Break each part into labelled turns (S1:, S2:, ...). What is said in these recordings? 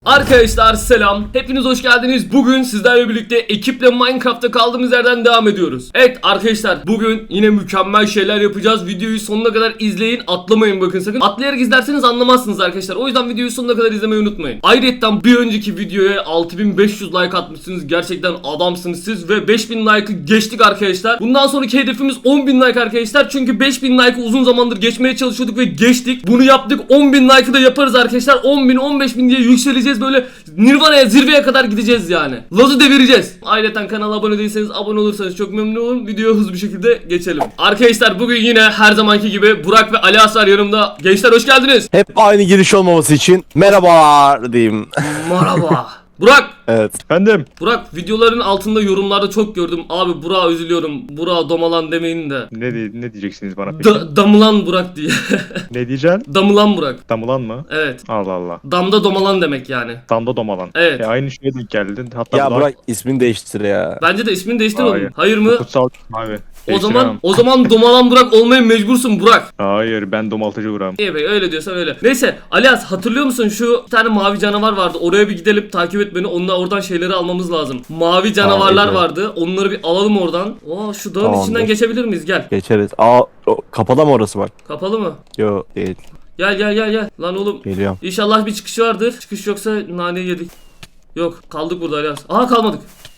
S1: Arkadaşlar selam, hepiniz hoş geldiniz. Bugün sizlerle birlikte ekiple Minecraft'ta kaldığımız yerden devam ediyoruz. Evet arkadaşlar, bugün yine mükemmel şeyler yapacağız. Videoyu sonuna kadar izleyin, atlamayın bakın sakın. Atlayarak izlerseniz anlamazsınız arkadaşlar. O yüzden videoyu sonuna kadar izlemeyi unutmayın. Ayrıca bir önceki videoya 6500 like atmışsınız. Gerçekten adamsınız siz ve 5000 like'ı geçtik arkadaşlar. Bundan sonraki hedefimiz 10.000 like arkadaşlar. Çünkü 5000 like'ı uzun zamandır geçmeye çalışıyorduk ve geçtik. Bunu yaptık, 10.000 like'ı da yaparız arkadaşlar. 10.000, 15.000 diye yükseleceğiz. Böyle Nirvana'ya, zirveye kadar gideceğiz yani. Laz'ı devireceğiz. Ayrıca kanala abone değilseniz abone olursanız çok memnun olurum. Videoya hızlı bir şekilde geçelim. Arkadaşlar bugün yine her zamanki gibi Burak ve Ali Asar yanımda. Gençler hoş geldiniz.
S2: Hep aynı giriş olmaması için merhabalar diyeyim.
S1: Merhaba. Burak.
S2: Evet.
S3: Efendim.
S1: Burak, videoların altında yorumlarda çok gördüm. Abi Burak'a üzülüyorum. Burak'a domalan demeyin de.
S3: Ne diyeceksiniz bana peki?
S1: Damılan Burak diye.
S3: Ne diyeceksin?
S1: Damılan Burak.
S3: Damulan mı?
S1: Evet.
S3: Allah Allah.
S1: Damda domalan demek yani.
S3: Damda domalan.
S1: Evet.
S3: Aynı şeye denk geldin. Hatta
S2: Ya
S3: bu da
S2: Burak ismini değiştir ya.
S1: Bence de ismini değiştir
S3: Hayır.
S1: oğlum. Hayır mı?
S3: kutsal abi.
S1: O zaman domalan Burak olmaya mecbursun Burak.
S3: Hayır, ben domaltıcı Burak'ım.
S1: İyi be, öyle diyorsan öyle. Neyse Alias, hatırlıyor musun şu bir tane mavi canavar vardı. Oraya bir gidelim, takip et beni. Onunla oradan şeyleri almamız lazım. Mavi canavarlar
S2: evet.
S1: vardı. Onları bir alalım oradan. Oo, şu dağın
S2: Tamamdır.
S1: içinden geçebilir miyiz? Gel.
S2: Geçeriz. Kapalı mı orası bak?
S1: Kapalı mı?
S2: Yo değil.
S1: Gel. Lan oğlum.
S2: Geliyorum.
S1: İnşallah bir çıkışı vardır. Çıkış yoksa naneyi yedik. Yok, kaldık burada Alias. Aha, kalmadık.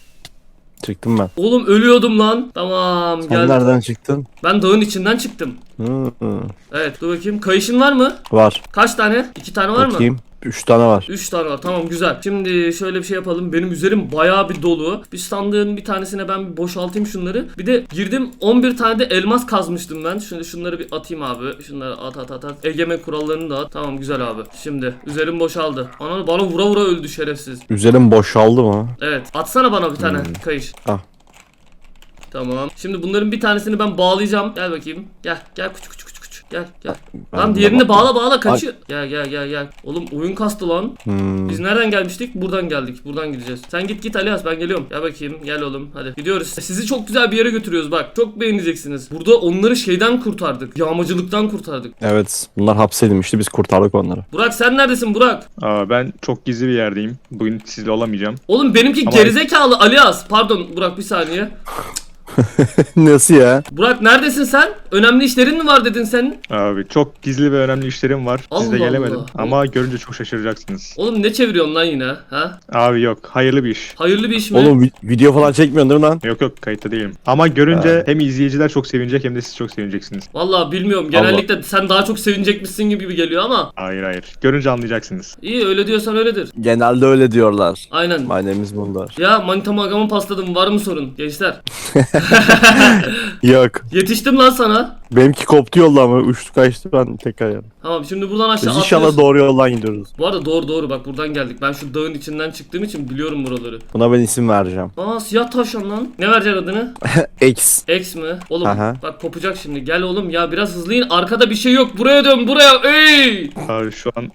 S2: Çıktım ben.
S1: Oğlum ölüyordum lan. Tamam,
S2: Sen
S1: gel.
S2: nereden çıktın?
S1: Ben dağın içinden çıktım.
S2: Hı.
S1: Evet, dur bakayım. Kayışın var mı?
S2: Var.
S1: Kaç tane? 2 tane var mı?
S2: Bakayım. 3 tane var.
S1: 3 tane var, tamam, güzel. Şimdi şöyle bir şey yapalım. Benim üzerim bayağı bir dolu. Bir sandığın bir tanesine ben bir boşaltayım şunları. Bir de girdim, 11 tane de elmas kazmıştım ben. Şimdi şunları bir atayım abi. Şunları at. Egemen kurallarını da at. Tamam, güzel abi. Şimdi üzerim boşaldı. Ana, bana vura vura öldü şerefsiz.
S2: Üzerim boşaldı mı?
S1: Evet, atsana bana bir tane kayış.
S2: Ah.
S1: Tamam. Şimdi bunların bir tanesini ben bağlayacağım. Gel bakayım. Gel küçük. Gel.
S2: Ben
S1: Lan
S2: de
S1: diğerini
S2: bak-
S1: bağla kaçıyor. Gel. Oğlum oyun kastı lan. Biz nereden gelmiştik? Buradan geldik. Buradan gideceğiz. Sen git Alias, ben geliyorum. Gel bakayım. Gel oğlum. Hadi gidiyoruz. Sizi çok güzel bir yere götürüyoruz bak. Çok beğeneceksiniz. Burada onları şeyden kurtardık. Yağmacılıktan kurtardık.
S2: Evet. Bunlar hapsedilmişti. Biz kurtardık onları.
S1: Burak, sen neredesin Burak?
S3: Ben çok gizli bir yerdeyim. Bugün sizle olamayacağım.
S1: Oğlum benimki
S3: Ama-
S1: gerizekalı Alias. Pardon Burak, bir saniye.
S2: Nasıl ya?
S1: Burak, neredesin sen? Önemli işlerin mi var dedin senin?
S3: Abi çok gizli ve önemli işlerim var.
S1: Allah
S3: Sizle gelemedim.
S1: Allah.
S3: Ama görünce çok şaşıracaksınız.
S1: Oğlum ne çeviriyorsun lan yine? Ha?
S3: Abi yok. Hayırlı bir iş.
S1: Hayırlı bir iş mi?
S2: Oğlum video falan çekmiyorsun değil mi lan?
S3: Yok kayıtta değilim. Ama görünce hem izleyiciler çok sevinecek hem de siz çok sevineceksiniz.
S1: Vallahi bilmiyorum. Genellikle sen daha çok sevinecekmişsin gibi geliyor ama
S3: Hayır. Görünce anlayacaksınız.
S1: iyi, öyle diyorsan öyledir.
S2: Genelde öyle diyorlar.
S1: Aynen.
S2: Manemiz bunlar.
S1: Ya manitamı agamı pasladım, var mı sorun gençler?
S2: Yok.
S1: Yetiştim lan sana.
S2: Benimki koptu yolda ama uçtu kaçtı ben tekrar yani.
S1: Tamam, şimdi buradan aşağı
S2: Biz inşallah
S1: atlıyoruz.
S2: doğru yoldan gidiyoruz.
S1: Bu arada doğru bak, buradan geldik. Ben şu dağın içinden çıktığım için biliyorum buraları.
S2: Buna ben isim vereceğim.
S1: Aa, siyah tavşan lan. Ne vereceksin adını?
S2: X.
S1: X mi? Oğlum
S2: Aha.
S1: bak kopacak şimdi. Gel oğlum ya, biraz hızlı in. Arkada bir şey yok. Buraya dön, buraya. Ey!
S3: Abi şu an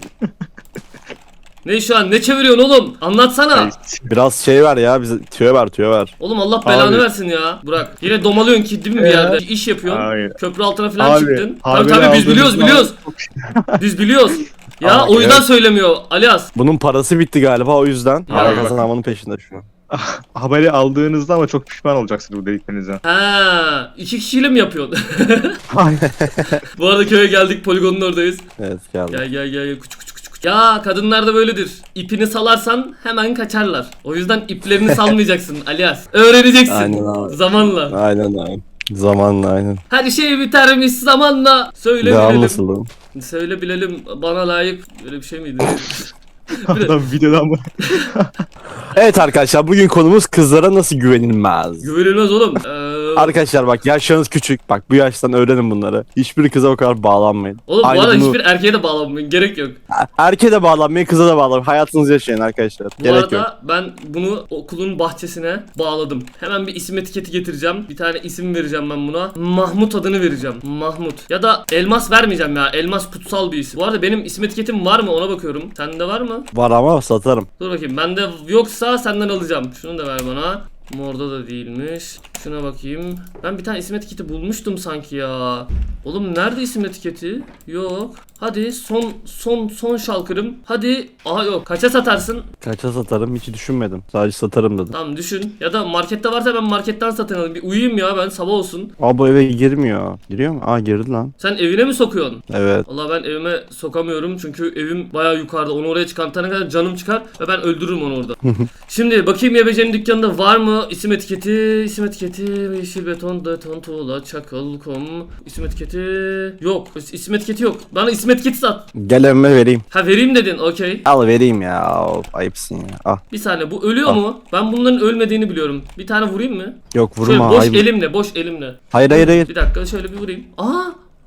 S1: Ne şu an? Ne çeviriyorsun oğlum? Anlatsana.
S2: Biraz şey ver ya bize tüyo ver.
S1: Oğlum Allah belanı
S3: Abi.
S1: versin ya. Burak. Yine domalıyorsun ki değil mi bir yerde? İş yapıyorsun.
S3: Hayır.
S1: Köprü altına falan
S3: Abi,
S1: çıktın.
S3: haberi
S1: Tabii biz
S3: aldığınız
S1: biliyoruz. Biz biliyoruz. Ya
S2: Abi,
S1: o yüzden
S2: evet.
S1: söylemiyor Alias.
S2: Bunun parası bitti galiba o yüzden.
S1: Ya.
S2: Para kazanmanın peşinde şu an.
S3: haberi aldığınızda ama çok pişman olacaksınız bu dediklerinizden.
S1: Ha, 2 kişiyle mi yapıyorsun? Bu arada köye geldik, poligonun oradayız.
S2: Evet geldi.
S1: Gel küçük. Ya kadınlar da böyledir. İpini salarsan hemen kaçarlar. O yüzden iplerini salmayacaksın Alias. Öğreneceksin.
S2: Aynen abi.
S1: Zamanla.
S2: Aynen. Zamanla aynen.
S1: Her şey bitermiş zamanla. Söyle
S2: Devam
S1: bilelim.
S2: nasıl oğlum?
S1: Söyle bilelim, bana layık böyle bir şey miydi?
S3: Adam videodan mı?
S2: Evet arkadaşlar bugün konumuz kızlara nasıl güvenilmez.
S1: Güvenilmez oğlum.
S2: Arkadaşlar bak yaşlarınız küçük. Bak bu yaştan öğrenin bunları. Hiçbir kıza o kadar bağlanmayın.
S1: Oğlum
S2: Aynı
S1: bu arada
S2: bunu-
S1: hiçbir erkeğe de bağlanmayın. Gerek yok.
S2: Erkeğe de bağlanmayın, kıza da bağlanmayın. Hayatınızı yaşayın arkadaşlar.
S1: Bu
S2: Gerek
S1: arada
S2: yok.
S1: ben bunu okulun bahçesine bağladım. Hemen bir isim etiketi getireceğim. Bir tane isim vereceğim ben buna. Mahmut adını vereceğim. Mahmut. Ya da Elmas vermeyeceğim ya. Elmas kutsal bir isim. Bu arada benim isim etiketim var mı ona bakıyorum. Sende var mı?
S2: Var ama satarım.
S1: Dur bakayım. Bende yoksa senden alacağım. Şunu da ver bana. Morda da değilmiş. Şuna bakayım. Ben bir tane isim etiketi bulmuştum sanki ya. Oğlum nerede isim etiketi? Yok. Hadi son şalkırım. Hadi. Aha yok. Kaça satarsın?
S2: Kaça satarım hiç düşünmedim. Sadece satarım dedim.
S1: Tamam düşün. Ya da markette varsa ben marketten satın alayım. Bir uyuyayım ya ben, sabah olsun.
S2: Aa bu eve girmiyor. Giriyor mu? Aa girdi lan.
S1: Sen evine mi sokuyorsun?
S2: Evet.
S1: Valla ben evime sokamıyorum çünkü evim bayağı yukarıda. Onu oraya çıkartana kadar canım çıkar ve ben öldürürüm onu orada. Şimdi bakayım YBC'nin dükkanında var mı isim etiketi? İsim etiketi yeşil beton, tuğla, çakıl, kum. İsim etiketi yok. İsim etiketi yok. Bana isim etiketi sat.
S2: Gel evime vereyim.
S1: Ha vereyim dedin, okey.
S2: Al vereyim ya. Of, ayıpsın ya. Al.
S1: Bir saniye, bu ölüyor
S2: Al.
S1: mu? Ben bunların ölmediğini biliyorum. Bir tane vurayım mı?
S2: Yok
S1: Şöyle
S2: vurma.
S1: boş
S2: ayıp.
S1: elimle, boş elimle.
S2: Hayır.
S1: Bir dakika şöyle bir vurayım. Aa!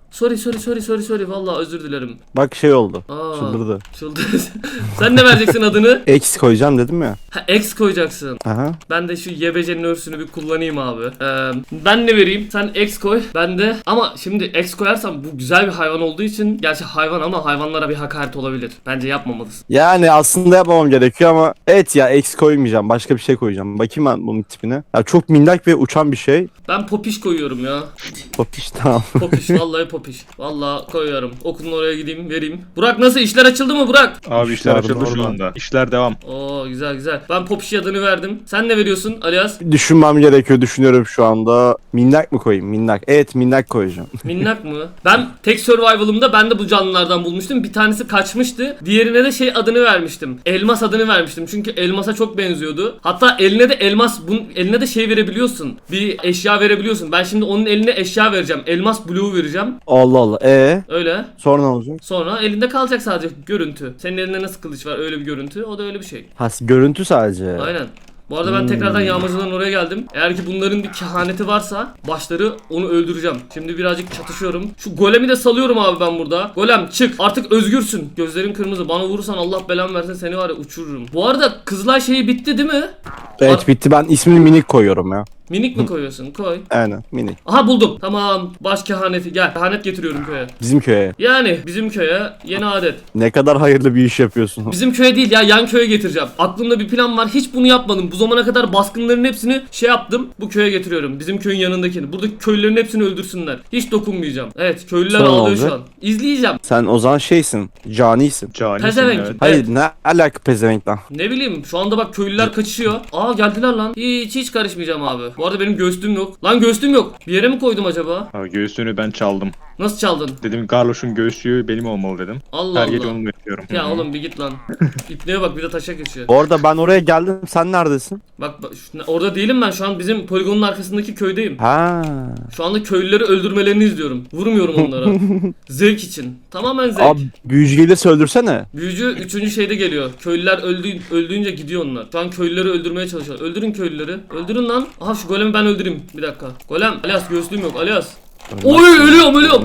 S1: Sorry. Vallahi özür dilerim.
S2: Bak şey oldu.
S1: Aa,
S2: Çıldırdı.
S1: çıldırdı. Sen ne vereceksin adını?
S2: X koyacağım dedim ya.
S1: Ha, X koyacaksın.
S2: Aha.
S1: Ben de şu YBC'nin örsünü bir kullanayım abi. Ben ne vereyim? Sen X koy. Ben de, ama şimdi X koyarsam bu güzel bir hayvan olduğu için, gerçi hayvan ama hayvanlara bir hakaret olabilir. Bence yapmamalısın.
S2: Yani aslında yapmamam gerekiyor ama evet ya X koymayacağım. Başka bir şey koyacağım. Bakayım ben bunun tipine. Ya çok minnak ve uçan bir şey.
S1: Ben Popiş koyuyorum ya.
S2: Popiş tamam.
S1: Popiş vallahi Popiş. Vallahi koyuyorum. Okulun oraya gideyim vereyim. Burak nasıl, işler açıldı mı Burak?
S3: Abi işler
S2: İşler
S3: açıldı şu
S2: normal.
S3: anda. İşler devam.
S1: Oo güzel. Ben Popiş adını verdim. Sen ne veriyorsun alias?
S2: Düşünmem gerekiyor. Düşünüyorum şu anda. Minnak mı koyayım? Minnak. Evet minnak koyacağım.
S1: Minnak mı? Ben tek survival'ımda ben de bu canlılardan bulmuştum. Bir tanesi kaçmıştı. Diğerine de şey adını vermiştim. Elmas adını vermiştim. Çünkü elmasa çok benziyordu. Hatta eline de elmas, bunun eline de şey verebiliyorsun. Bir eşya verebiliyorsun. Ben şimdi onun eline eşya vereceğim. Elmas bloğu vereceğim.
S2: Allah Allah.
S1: Öyle.
S2: Sonra ne olacak?
S1: Sonra elinde kalacak sadece görüntü. Senin elinde nasıl kılıç var, öyle bir görüntü. O da öyle bir şey.
S2: Ha görüntü sadece.
S1: Aynen. Bu arada ben tekrardan yağmacıların oraya geldim. Eğer ki bunların bir kehaneti varsa başları, onu öldüreceğim. Şimdi birazcık çatışıyorum. Şu golemi de salıyorum abi ben burada. Golem çık. Artık özgürsün. Gözlerin kırmızı. Bana vurursan Allah belamı versin, seni var ya uçururum. Bu arada Kızılay şeyi bitti değil mi?
S2: Evet bitti. Ben ismini minik koyuyorum ya.
S1: Minik mi koyuyorsun? Koy.
S2: Aynen minik.
S1: Aha buldum. Tamam. Baş kehaneti. Gel. Kehanet getiriyorum köye.
S2: Bizim köye.
S1: Yani bizim köye yeni adet.
S2: Ne kadar hayırlı bir iş yapıyorsun.
S1: Bizim köye değil ya, yan köye getireceğim. Aklımda bir plan var. Hiç bunu yapmadım. Bu zamana kadar baskınların hepsini şey yaptım. Bu köye getiriyorum. Bizim köyün yanındakini. Buradaki köylülerin hepsini öldürsünler. Hiç dokunmayacağım. Evet, köylüler
S2: Sonra
S1: ağlıyor
S2: olacak?
S1: şu an. İzleyeceğim.
S2: Sen o zaman şeysin. Canisin.
S3: Canisin
S1: Pezevenk.
S3: evet.
S2: Hayır ne alaka pezevenk lan.
S1: Ne bileyim, şu anda bak köylüler kaçışıyor. Aa geldiler lan. Hiç karışmayacağım abi. Bu arada benim göğsüm yok. Lan göğsüm yok. Bir yere mi koydum acaba?
S3: Abi göğsünü ben çaldım.
S1: Nasıl çaldın?
S3: Dedim Garloş'un göğsüğü benim olmalı dedim.
S1: Allah
S3: Her gece
S1: Allah.
S3: onu bekliyorum.
S1: Ya oğlum bir git lan. İpneye bak, bir de taşa geçiyor.
S2: Bu arada ben oraya geldim. Sen neredesin?
S1: Bak orada değilim ben, şu an bizim poligonun arkasındaki köydeyim.
S2: Ha.
S1: Şu anda köylüleri öldürmelerini izliyorum. Vurmuyorum onlara. Zevk için. Tamamen zevk.
S2: Abi büyücü gelirse öldürsene.
S1: Büyücü 3. şeyde geliyor. Köylüler öldüğünce gidiyor onlar. Şu an köylüleri öldürmeye çalışıyorlar. Öldürün köylüleri. Öldürün lan. Aha şu golemi ben öldüreyim. Bir dakika. Golem. Alias göğüslüğüm yok. Alias. Oy ölüyorum.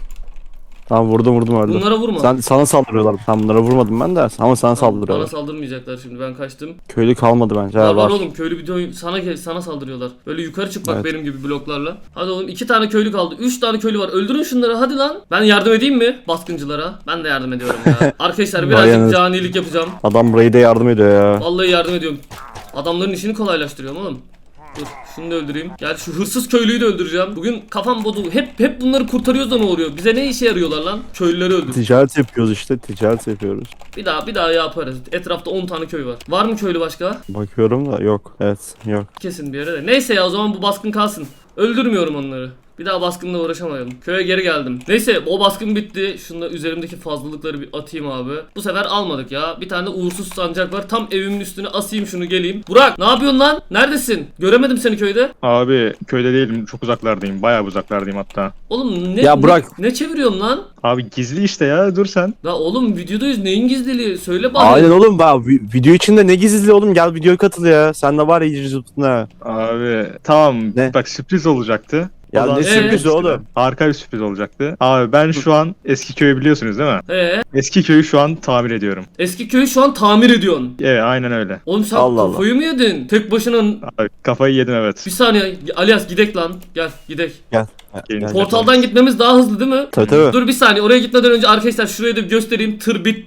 S2: Tamam vurdum öldü.
S1: Bunlara vurma.
S2: Sana saldırıyorlar. Tam bunlara vurmadım ben de ama sana
S1: Bana
S2: saldırıyorlar.
S1: saldırmayacaklar şimdi, ben kaçtım.
S2: Köylü kalmadı bence.
S1: Var
S2: Ha,
S1: var
S2: var.
S1: oğlum, köylü bir sana saldırıyorlar. Böyle yukarı çık bak,
S2: Evet.
S1: benim gibi bloklarla. Hadi oğlum, 2 tane köylü kaldı. 3 tane köylü var. Öldürün şunları hadi lan. Ben yardım edeyim mi baskıncılara? Ben de yardım ediyorum ya. Arkadaşlar birazcık
S2: Bayanız.
S1: canilik yapacağım.
S2: Adam burayı da yardım ediyor ya.
S1: Vallahi yardım ediyorum. Adamların işini kolaylaştırıyorum oğlum. Dur şunu da öldüreyim. Gel şu hırsız köylüyü de öldüreceğim. Bugün kafam bozuldu. Hep bunları kurtarıyoruz da ne oluyor? Bize ne işe yarıyorlar lan? Köylüleri öldür.
S2: Ticaret yapıyoruz işte. Ticaret yapıyoruz.
S1: Bir daha yaparız. Etrafta 10 tane köy var. Var mı köylü başka?
S2: Bakıyorum da yok. Evet yok.
S1: Kesin bir yere de. Neyse ya, o zaman bu baskın kalsın. Öldürmüyorum onları. Bir daha baskınla uğraşamayalım. Köye geri geldim. Neyse o baskın bitti. Şunda üzerimdeki fazlalıkları bir atayım abi. Bu sefer almadık ya. Bir tane de uğursuz sancak var. Tam evimin üstüne asayım şunu, geleyim. Burak ne yapıyorsun lan? Neredesin? Göremedim seni köyde.
S3: Abi köyde değilim, çok uzaklardayım. Bayağı uzaklardayım hatta.
S1: Oğlum
S2: Ya Burak.
S1: ne çeviriyorsun lan?
S3: Abi gizli işte ya, dur sen.
S1: La oğlum videodayız, neyin gizliliği? Söyle bana.
S2: Aynen oğlum bak video içinde ne gizli oğlum, gel videoya katıl ya. Sen de var ya iyice zıptın ha.
S3: Abi tamam,
S2: Ne?
S3: bak sürpriz olacaktı.
S2: Ya
S3: O zaman
S2: ne
S1: sürprizi
S2: oğlum?
S3: Harika bir sürpriz olacaktı. Abi ben şu an eski köyü biliyorsunuz değil mi? Eski köyü şu an tamir ediyorum.
S1: Eski köyü şu an tamir ediyorsun.
S3: Evet aynen öyle.
S1: Oğlum sen
S2: Allah Allah.
S1: kafayı mı yedin? Tek başına.
S3: Abi kafayı yedim evet.
S1: Bir saniye Alias, gidek lan. Gel gidek.
S2: Gel.
S3: Gelin.
S2: Gel.
S1: Portaldan gitmemiz daha hızlı değil mi?
S2: Tabii tabii.
S1: Dur bir saniye, oraya gitmeden önce arkadaşlar şurayı da bir göstereyim. Tır bitti.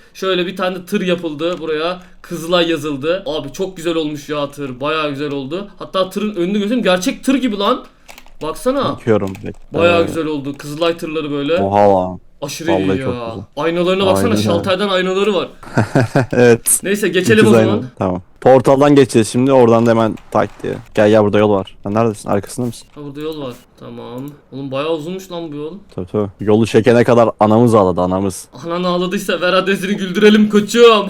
S1: Şöyle bir tane de tır yapıldı buraya. Kızılay yazıldı. Abi çok güzel olmuş ya tır. Bayağı güzel oldu. Hatta tırın önünü göstereyim. Gerçek tır gibi lan. Baksana.
S2: Bakıyorum.
S1: Bayağı güzel oldu. Kızılay tırları böyle.
S2: Oha lan.
S1: Aşırı
S2: Vallahi
S1: iyi
S2: çok
S1: ya.
S2: güzel.
S1: Aynalarına baksana.
S2: Aynen öyle.
S1: Şalterden aynaları var.
S2: Evet.
S1: Neyse geçelim o
S2: İkiz
S1: zaman.
S2: aynı. Tamam. Portaldan geçeceğiz şimdi. Oradan da hemen tak diye. Gel burada yol var. Sen neredesin? Arkasında mısın?
S1: Ha burada yol var. Tamam. Oğlum bayağı uzunmuş lan bu yol.
S2: Tabii. Yolu çekene kadar anamız ağladı anamız.
S1: Anan ağladıysa ver adresini güldürelim koçum.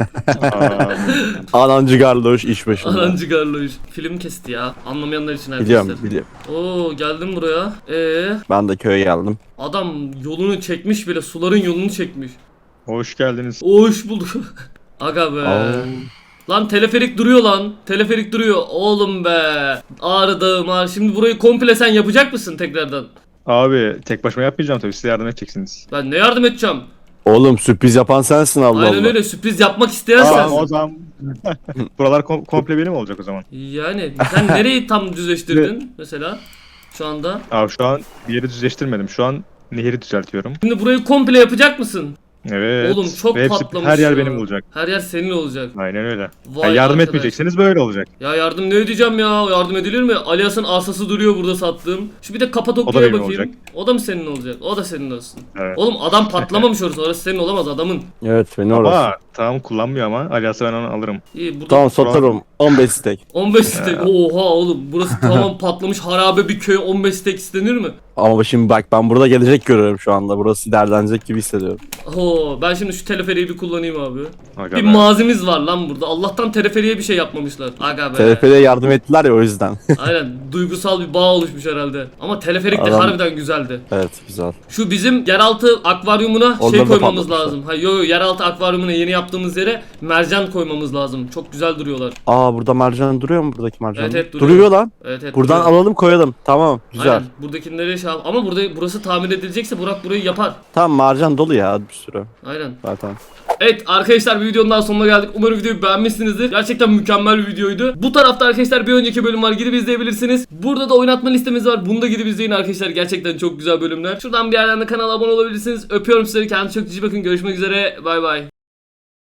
S3: Aa,
S2: Anancı garloş iş başında.
S1: Anancı Garloş. Film kesti ya. Anlamayanlar için arkadaşlar.
S2: Biliyorum.
S1: Oo geldim buraya.
S2: Ben de köye geldim.
S1: Adam yolunu çekmiş bile. Suların yolunu çekmiş.
S3: hoş geldiniz.
S1: Hoş bulduk. Aga be.
S2: Aa.
S1: Lan teleferik duruyor lan. Teleferik duruyor. Oğlum be. Ağrı Dağı Ağrı. Şimdi burayı komple sen yapacak mısın tekrardan?
S3: Abi tek başıma yapmayacağım tabii, size yardım edeceksiniz.
S1: Ben ne yardım edeceğim?
S2: Oğlum sürpriz yapan sensin Allah
S1: Aynen
S2: Allah.
S1: öyle sürpriz yapmak isteyen
S3: Tamam
S1: sensin.
S3: o zaman buralar komple benim olacak o zaman.
S1: Yani sen nereyi tam düzleştirdin mesela şu anda?
S3: Abi şu an bir yeri düzleştirmedim. Şu an nehri düzeltiyorum.
S1: Şimdi burayı komple yapacak mısın?
S3: Evet.
S1: Oğlum çok
S3: Ve hepsi,
S1: patlamış
S3: her yer
S1: ya.
S3: benim olacak.
S1: Her yer senin olacak.
S3: Aynen öyle.
S1: Vay
S3: Ya yardım
S1: arkadaş.
S3: etmeyecekseniz böyle olacak.
S1: Ya yardım ne ödeyeceğim ya? Yardım edilir mi? Alias'ın asası duruyor burada sattığım. Şu bir de
S3: O da
S1: Kapadokya'ya
S3: benim
S1: bakayım.
S3: olacak.
S1: O da mı senin olacak? O da senin olsun.
S3: Evet.
S1: Oğlum adam patlamamış orası senin olamaz adamın.
S2: Evet beni orası.
S3: Ama tamam kullanmıyor ama Alias'ı ben onu alırım.
S1: İyi burada
S2: Tamam satarım. 15 stek.
S1: 15 stek. Oha oğlum burası tamam patlamış harabe bir köy 15 stek istenir mi?
S2: Ama şimdi bak ben burada gelecek görüyorum şu anda. Burası derlenecek gibi hissediyorum.
S1: Oo ben şimdi şu teleferiği bir kullanayım abi.
S3: Aga
S1: Bir
S3: be.
S1: mazimiz var lan burada. Allah'tan teleferiye bir şey yapmamışlar. Aga be.
S2: TRP'de yardım ettiler ya o yüzden.
S1: Aynen duygusal bir bağ oluşmuş herhalde. Ama teleferik de
S2: Adam-
S1: harbiden güzeldi.
S2: Evet güzel.
S1: Şu bizim yeraltı akvaryumuna
S2: Onları
S1: şey
S2: da
S1: koymamız
S2: patlatmışlar.
S1: lazım. Hayır yo yeraltı akvaryumuna yeni yaptığımız yere mercan koymamız lazım. Çok güzel duruyorlar.
S2: Aa burada mercan duruyor mu buradaki mercan?
S1: Evet, evet, duruyor.
S2: Duruyor lan.
S1: Evet evet.
S2: Buradan
S1: duruyor.
S2: alalım koyalım. Tamam güzel.
S1: Aynen. Buradakileri şey yap- ama burası tamir edilecekse Burak burayı yapar.
S2: Tamam mercan dolu ya bir sürü
S1: Aynen.
S2: zaten.
S1: Evet arkadaşlar bir videonun daha sonuna geldik. Umarım videoyu beğenmişsinizdir. Gerçekten mükemmel bir videoydu. Bu tarafta arkadaşlar bir önceki bölüm var. Gidip izleyebilirsiniz. Burada da oynatma listemiz var. Bunu da gidip izleyin arkadaşlar. Gerçekten çok güzel bölümler. Şuradan bir yerden de kanala abone olabilirsiniz. Öpüyorum sizleri. Kendinize çok iyi bakın. Görüşmek üzere. Bay bay.